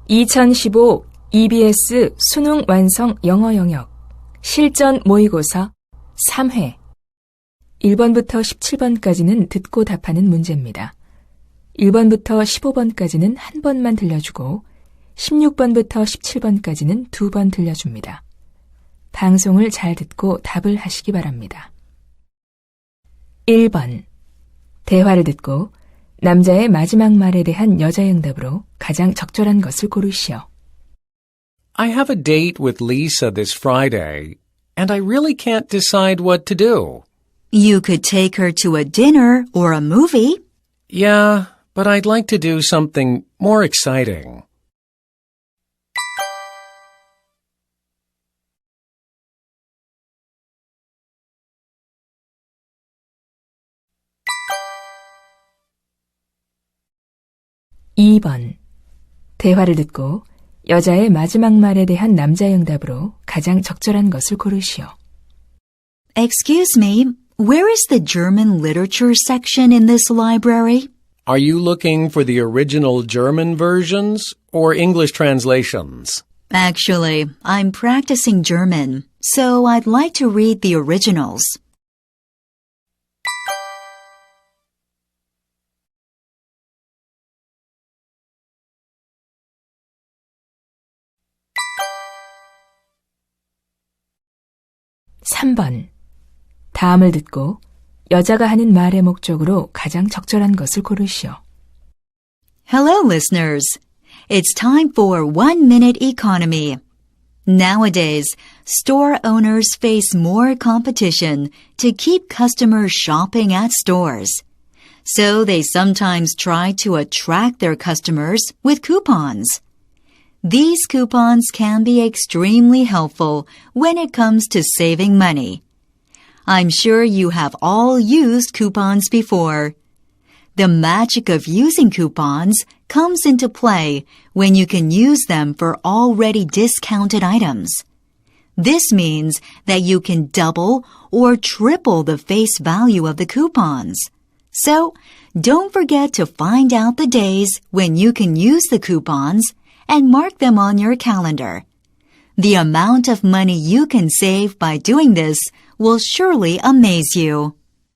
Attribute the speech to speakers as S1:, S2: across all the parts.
S1: 2015 EBS 수능 완성 영어 영역 실전 모의고사 3회 1번부터 17번까지는 듣고 답하는 문제입니다. 1번부터 15번까지는 한 번만 들려주고 16번부터 17번까지는 2번 들려줍니다. 방송을 잘 듣고 답을 하시기 바랍니다. 1번 대화를 듣고 남자의 마지막 말에 대한 여자의 응답으로 가장 적절한 것을 고르시오.
S2: I have a date with Lisa this Friday, and I really can't decide what to do.
S3: You could take her to a dinner or a movie.
S2: Yeah, but I'd like to do something more exciting.
S1: (2번) 대화를 듣고 여자의 마지막 말에 대한 남자의 응답으로 가장 적절한 것을 고르시오.
S3: Excuse me, where is the German literature section in this library?
S2: Are you looking for the original German versions or English translations?
S3: Actually, I'm practicing German, so I'd like to read the originals.
S1: (3번) 다음을 듣고 여자가 하는 말의 목적으로 가장 적절한 것을 고르시오.
S3: Hello, listeners. It's time for 1-minute economy. Nowadays, store owners face more competition to keep customers shopping at stores. So they sometimes try to attract their customers with coupons. These coupons can be extremely helpful when it comes to saving money. I'm sure you have all used coupons before. The magic of using coupons comes into play when you can use them for already discounted items. This means that you can double or triple the face value of the coupons. So, don't forget to find out the days when you can use the coupons and mark them on your calendar. The amount of money you can save by doing this will surely amaze you.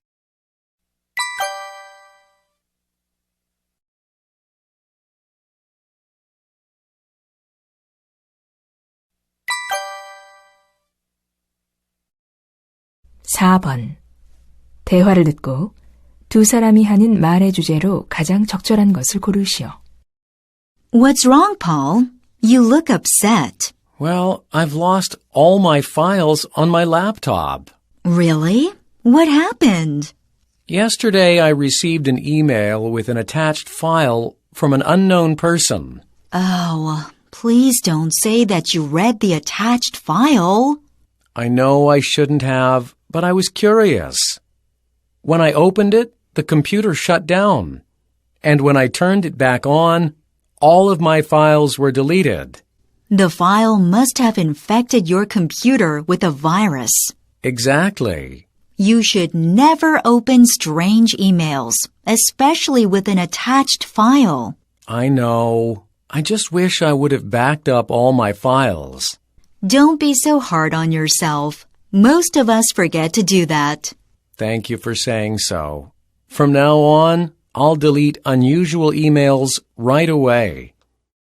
S1: (4번) 대화를 듣고 두 사람이 하는 말의 주제로 가장 적절한 것을 고르시오.
S3: What's wrong, Paul? You look upset.
S2: Well, I've lost all my files on my laptop.
S3: Really? What happened?
S2: Yesterday, I received an email with an attached file from an unknown person.
S3: Oh, please don't say that you read the attached file.
S2: I know I shouldn't have, but I was curious. When I opened it, the computer shut down. And when I turned it back on, all of my files were deleted.
S3: The file must have infected your computer with a virus.
S2: Exactly.
S3: You should never open strange emails, especially with an attached file.
S2: I know. I just wish I would have backed up all my files.
S3: Don't be so hard on yourself. Most of us forget to do that.
S2: Thank you for saying so. From now on, I'll delete unusual emails right away.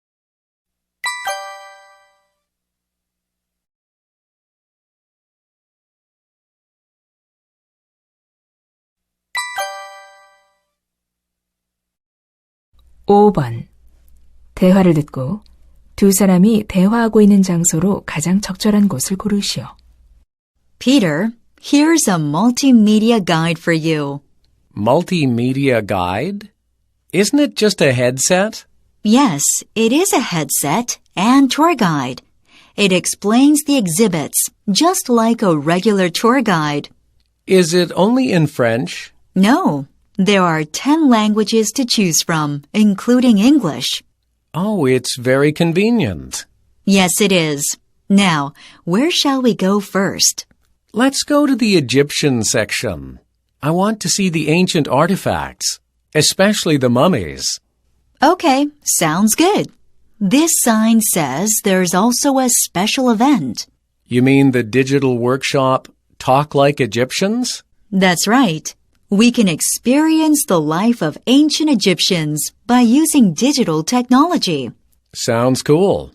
S1: (5번) 대화를 듣고 두 사람이 대화하고 있는 장소로 가장 적절한 곳을 고르시오.
S3: Peter, here's a multimedia guide for you.
S2: Multimedia guide? Isn't it just a headset?
S3: Yes, it is a headset and tour guide. It explains the exhibits, just like a regular tour guide.
S2: Is it only in French?
S3: No, there are 10 languages to choose from, including English.
S2: Oh, it's very convenient.
S3: Yes, it is. Now, where shall we go first?
S2: Let's go to the Egyptian section. I want to see the ancient artifacts, especially the mummies.
S3: Okay, sounds good. This sign says there's also a special event.
S2: You mean the digital workshop, Talk Like Egyptians?
S3: That's right. We can experience the life of ancient Egyptians by using digital technology.
S2: Sounds cool.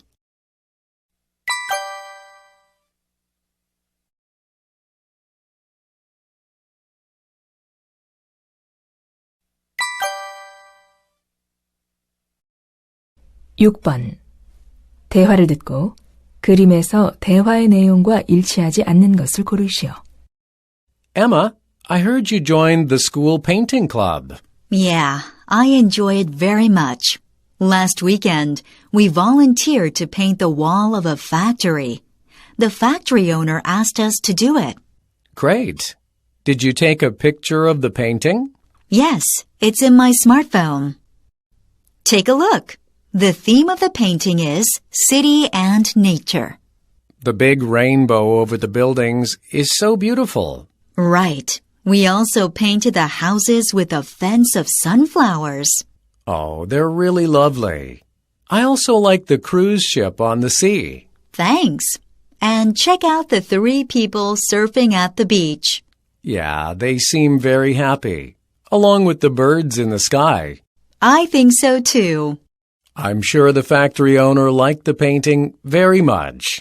S1: 6번. 대화를 듣고 그림에서 대화의 내용과 일치하지 않는 것을 고르시오.
S2: Emma, I heard you joined the school painting club.
S3: Yeah, I enjoy it very much. Last weekend, we volunteered to paint the wall of a factory. The factory owner asked us to do it.
S2: Great. Did you take a picture of the painting?
S3: Yes, it's in my smartphone. Take a look. The theme of the painting is city and nature.
S2: The big rainbow over the buildings is so beautiful.
S3: Right. We also painted the houses with a fence of sunflowers.
S2: Oh, they're really lovely. I also like the cruise ship on the sea.
S3: Thanks. And check out the 3 people surfing at the beach.
S2: Yeah, they seem very happy, along with the birds in the sky.
S3: I think so too.
S2: I'm sure the factory owner liked the painting very much.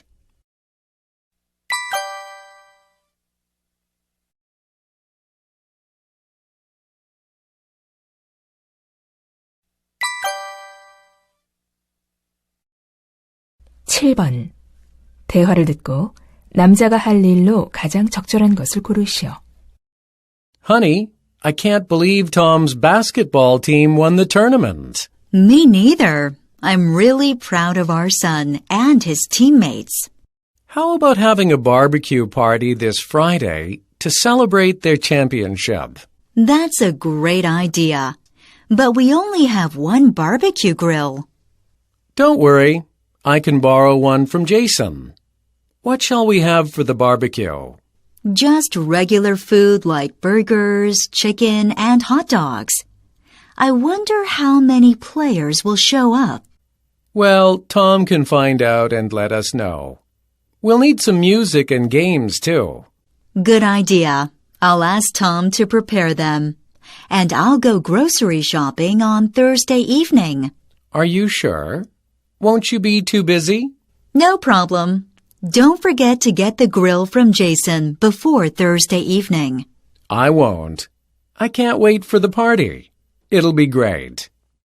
S1: (7번) 대화를 듣고 남자가 할 일로 가장 적절한 것을 고르시오.
S2: Honey, I can't believe Tom's basketball team won the tournament.
S3: Me neither. I'm really proud of our son and his teammates.
S2: How about having a barbecue party this Friday to celebrate their championship?
S3: That's a great idea. But we only have one barbecue grill.
S2: Don't worry. I can borrow one from Jason. What shall we have for the barbecue?
S3: Just regular food like burgers, chicken, and hot dogs. I wonder how many players will show up.
S2: Well, Tom can find out and let us know. We'll need some music and games, too.
S3: Good idea. I'll ask Tom to prepare them. And I'll go grocery shopping on Thursday evening.
S2: Are you sure? Won't you be too busy?
S3: No problem. Don't forget to get the grill from Jason before Thursday evening.
S2: I won't. I can't wait for the party. It'll be great.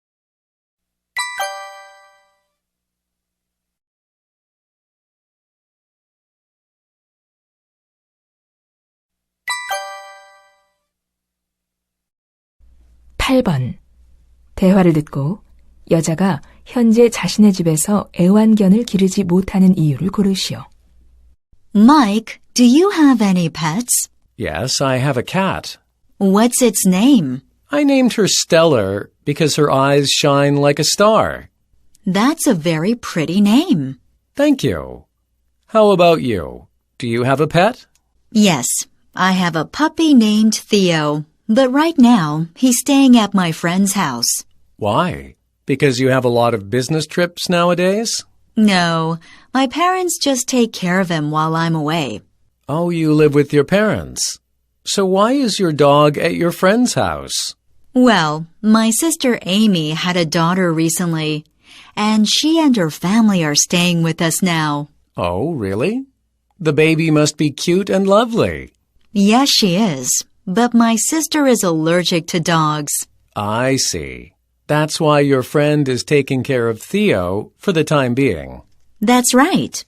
S1: (8번) 대화를 듣고 여자가 현재 자신의 집에서 애완견을 기르지 못하는 이유를 고르시오.
S3: Mike, do you have any pets?
S2: Yes, I have a cat.
S3: What's its name?
S2: I named her Stellar because her eyes shine like a star.
S3: That's a very pretty name.
S2: Thank you. How about you? Do you have a pet?
S3: Yes, I have a puppy named Theo, but right now he's staying at my friend's house.
S2: Why? Because you have a lot of business trips nowadays?
S3: No, my parents just take care of him while I'm away.
S2: Oh, you live with your parents. So why is your dog at your friend's house?
S3: Well, my sister Amy had a daughter recently, and she and her family are staying with us now.
S2: Oh, really? The baby must be cute and lovely.
S3: Yes, she is, but my sister is allergic to dogs.
S2: I see. That's why your friend is taking care of Theo for the time being.
S3: That's right.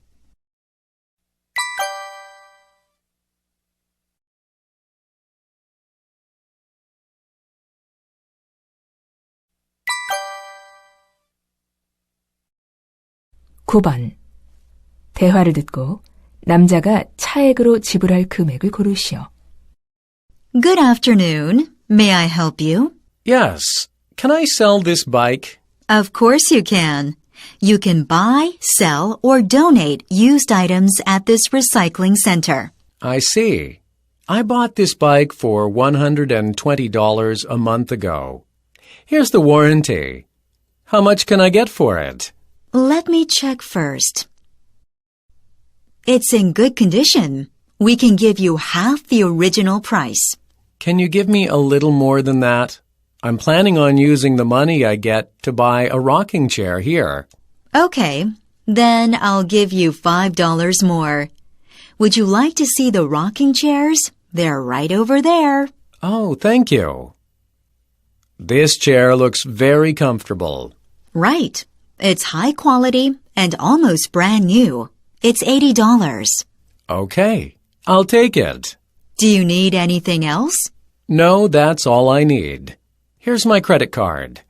S1: (9번) 대화를 듣고 남자가 차액으로 지불할 금액을 고르시오.
S3: Good afternoon. May I help you?
S2: Yes. Can I sell this bike?
S3: Of course you can. You can buy, sell, or donate used items at this recycling center.
S2: I see. I bought this bike for $120 a month ago. Here's the warranty. How much can I get for it?
S3: Let me check first. It's in good condition. We can give you half the original price.
S2: Can you give me a little more than that? I'm planning on using the money I get to buy a rocking chair here.
S3: Okay, then I'll give you $5 more. Would you like to see the rocking chairs? They're right over there.
S2: Oh, thank you. This chair looks very comfortable.
S3: Right. It's high quality and almost brand new. It's $80.
S2: Okay, I'll take it.
S3: Do you need anything else?
S2: No, that's all I need. Here's my credit card.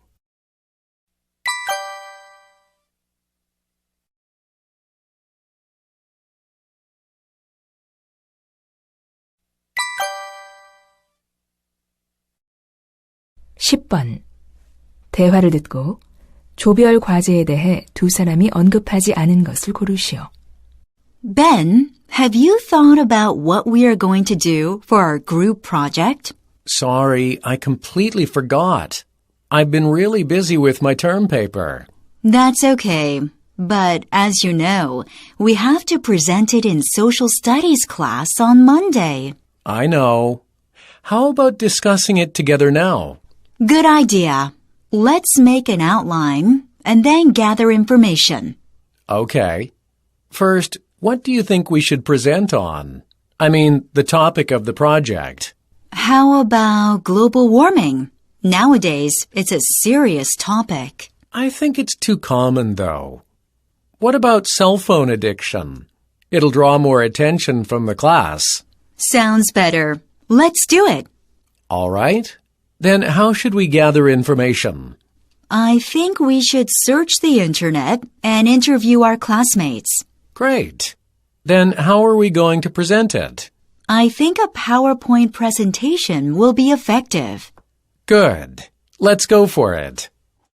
S1: (10번) 대화를 듣고 조별 과제에 대해 두 사람이 언급하지 않은 것을 고르시오.
S3: Ben, have you thought about what we are going to do for our group project?
S2: Sorry, I completely forgot. I've been really busy with my term paper.
S3: That's okay. But as you know, we have to present it in social studies class on Monday.
S2: I know. How about discussing it together now?
S3: Good idea. Let's make an outline and then gather information.
S2: Okay. First, what do you think we should present on? I mean, the topic of the project.
S3: How about global warming? Nowadays, it's a serious topic.
S2: I think it's too common, though. What about cell phone addiction? It'll draw more attention from the class.
S3: Sounds better. Let's do it.
S2: All right. Then how should we gather information?
S3: I think we should search the internet and interview our classmates.
S2: Great. Then how are we going to present it?
S3: I think a PowerPoint presentation will be effective.
S2: Good. Let's go for it.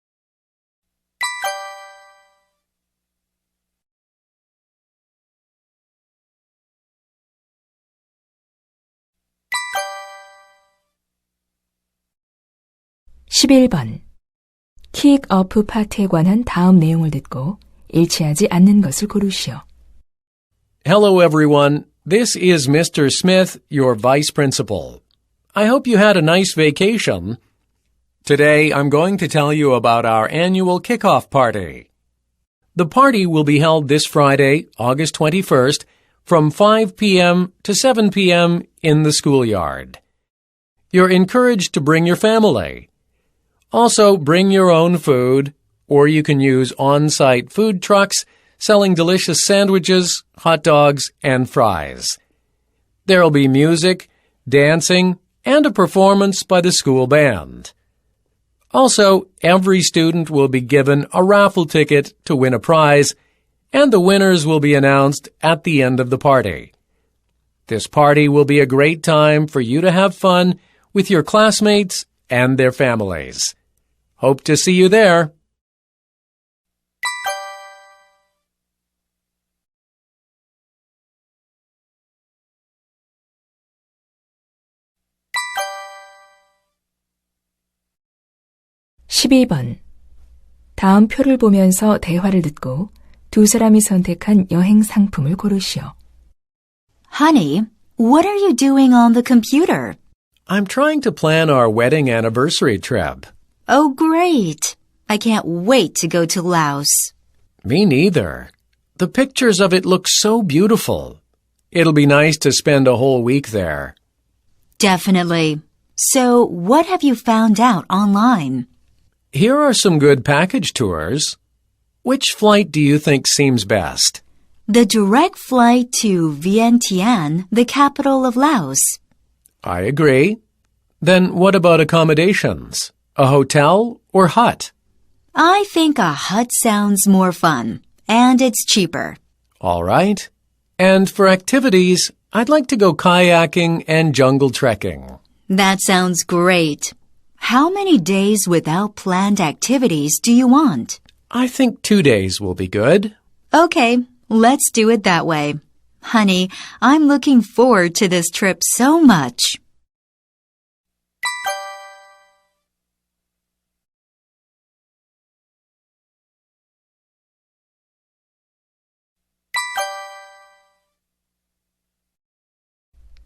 S1: (11번) 킥오프 파트에 관한 다음 내용을 듣고 일치하지 않는 것을 고르시오.
S2: Hello, everyone. This is Mr. Smith, your vice principal. I hope you had a nice vacation. Today, I'm going to tell you about our annual kickoff party. The party will be held this Friday, August 21st, from 5 p.m. to 7 p.m. in the schoolyard. You're encouraged to bring your family. Also, bring your own food, or you can use on-site food trucks selling delicious sandwiches, hot dogs, and fries. There'll be music, dancing, and a performance by the school band. Also, every student will be given a raffle ticket to win a prize, and the winners will be announced at the end of the party. This party will be a great time for you to have fun with your classmates and their families. Hope to see you there.
S1: (12번) 다음 표를 보면서 대화를 듣고 두 사람이 선택한 여행 상품을 고르시오.
S3: Honey, what are you doing on the computer?
S2: I'm trying to plan our wedding anniversary trip.
S3: Oh, great. I can't wait to go to Laos.
S2: Me neither. The pictures of it look so beautiful. It'll be nice to spend a whole week there.
S3: Definitely. So, what have you found out online?
S2: Here are some good package tours. Which flight do you think seems best?
S3: The direct flight to Vientiane, the capital of Laos.
S2: I agree. Then what about accommodations? A hotel or hut?
S3: I think a hut sounds more fun, and it's cheaper.
S2: All right. And for activities, I'd like to go kayaking and jungle trekking.
S3: That sounds great. How many days without planned activities do you want?
S2: I think 2 days will be good.
S3: Okay, let's do it that way. Honey, I'm looking forward to this trip so much.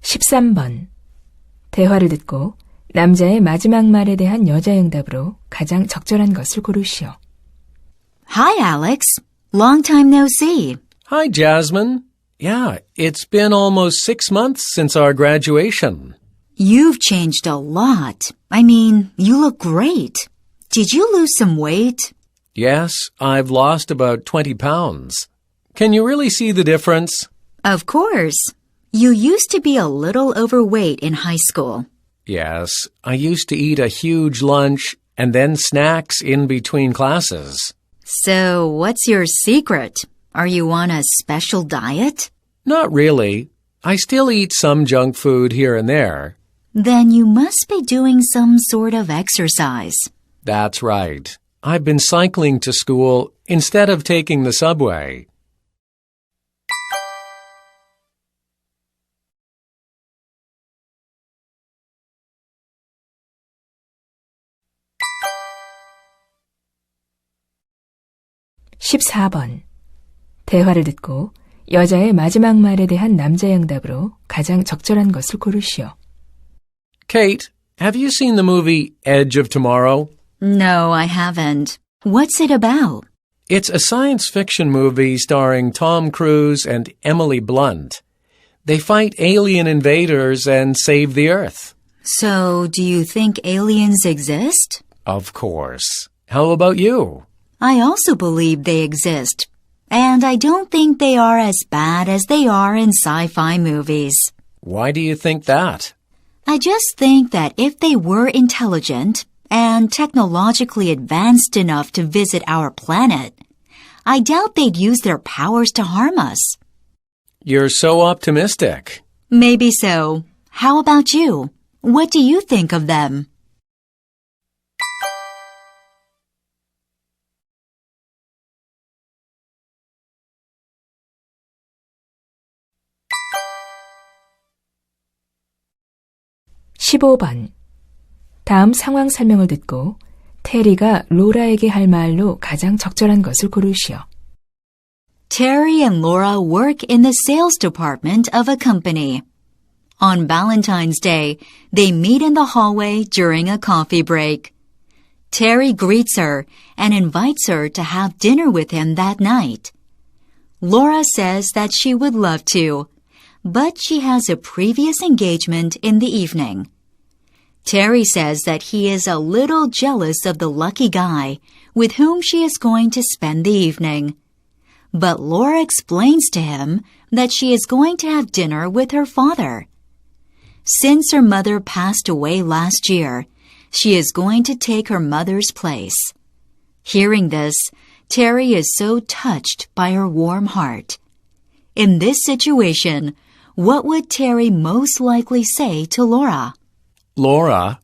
S1: 13번. 대화를 듣고 남자의 마지막 말에 대한 여자 응답으로 가장 적절한 것을 고르시오.
S3: Hi, Alex. Long time no see.
S2: Hi, Jasmine. Yeah, it's been almost 6 months since our graduation.
S3: You've changed a lot. I mean, you look great. Did you lose some weight?
S2: Yes, I've lost about 20 pounds. Can you really see the difference?
S3: Of course. You used to be a little overweight in high school.
S2: Yes, I used to eat a huge lunch and then snacks in between classes.
S3: So, what's your secret? Are you on a special diet?
S2: Not really. I still eat some junk food here and there.
S3: Then you must be doing some sort of exercise.
S2: That's right. I've been cycling to school instead of taking the subway.
S1: (14번) 대화를 듣고 여자의 마지막 말에 대한 남자의 응답으로 가장 적절한 것을 고르시오.
S2: Kate, have you seen the movie Edge of Tomorrow?
S3: No, I haven't. What's it about?
S2: It's a science fiction movie starring Tom Cruise and Emily Blunt. They fight alien invaders and save the Earth.
S3: So, do you think aliens exist?
S2: Of course. How about you?
S3: I also believe they exist. And I don't think they are as bad as they are in sci-fi movies.
S2: Why do you think that?
S3: I just think that if they were intelligent and technologically advanced enough to visit our planet, I doubt they'd use their powers to harm us.
S2: You're so optimistic.
S3: Maybe so. How about you? What do you think of them?
S1: (15번) 다음 상황 설명을 듣고 테리가 로라에게 할 말로 가장 적절한 것을 고르시오.
S3: Terry and Laura work in the sales department of a company. On Valentine's Day, they meet in the hallway during a coffee break. Terry greets her and invites her to have dinner with him that night. Laura says that she would love to, but she has a previous engagement in the evening. Terry says that he is a little jealous of the lucky guy with whom she is going to spend the evening. But Laura explains to him that she is going to have dinner with her father. Since her mother passed away last year, she is going to take her mother's place. Hearing this, Terry is so touched by her warm heart. In this situation, what would Terry most likely say to Laura?
S2: Laura.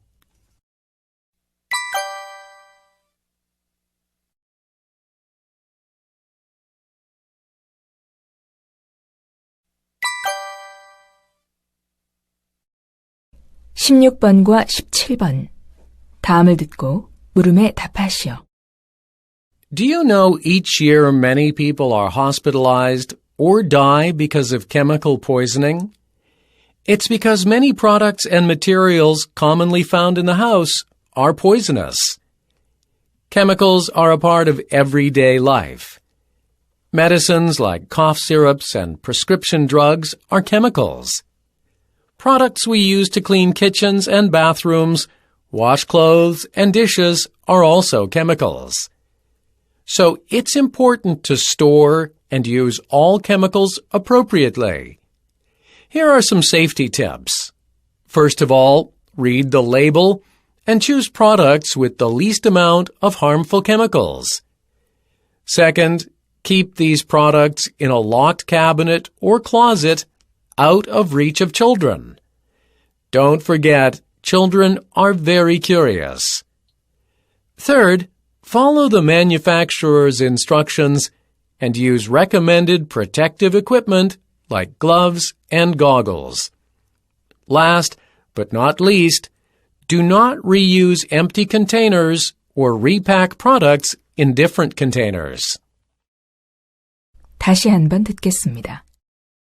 S1: (16번과 17번) 다음을 듣고 물음에 답하시오.
S2: Do you know each year many people are hospitalized or die because of chemical poisoning? It's because many products and materials commonly found in the house are poisonous. Chemicals are a part of everyday life. Medicines like cough syrups and prescription drugs are chemicals. Products we use to clean kitchens and bathrooms, wash clothes and dishes are also chemicals. So it's important to store and use all chemicals appropriately. Here are some safety tips. First of all, read the label and choose products with the least amount of harmful chemicals. Second, keep these products in a locked cabinet or closet out of reach of children. Don't forget, children are very curious. Third, follow the manufacturer's instructions and use recommended protective equipment like gloves and goggles. Last, but not least, do not reuse empty containers or repack products in different containers.
S1: 다시 한번 듣겠습니다.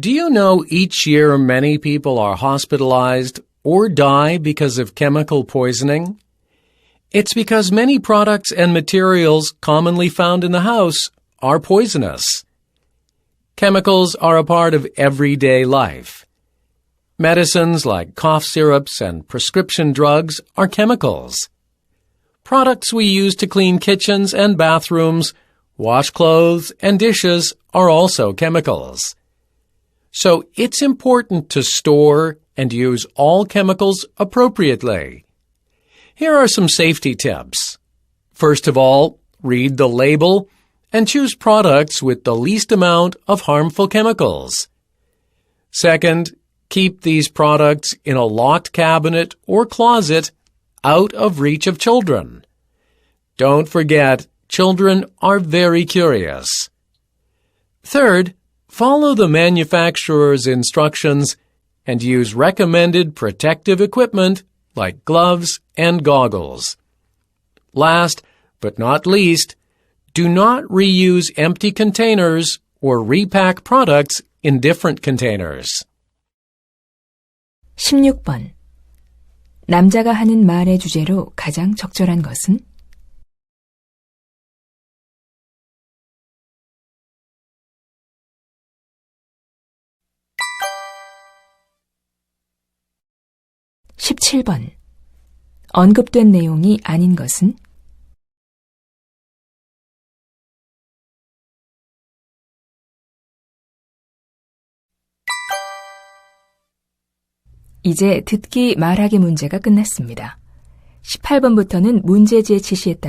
S2: Do you know each year many people are hospitalized or die because of chemical poisoning? It's because many products and materials commonly found in the house are poisonous. Chemicals are a part of everyday life. Medicines like cough syrups and prescription drugs are chemicals. Products we use to clean kitchens and bathrooms, wash clothes and dishes are also chemicals. So it's important to store and use all chemicals appropriately. Here are some safety tips. First of all, read the label and choose products with the least amount of harmful chemicals. Second, keep these products in a locked cabinet or closet out of reach of children. Don't forget, children are very curious. Third, follow the manufacturer's instructions and use recommended protective equipment like gloves and goggles. Last but not least, do not reuse empty containers or repack products in different containers.
S1: 16번. 남자가 하는 말의 주제로 가장 적절한 것은? (17번) 언급된 내용이 아닌 것은? 이제 듣기 말하기 문제가 끝났습니다. 18번부터는 문제지의 지시에 따라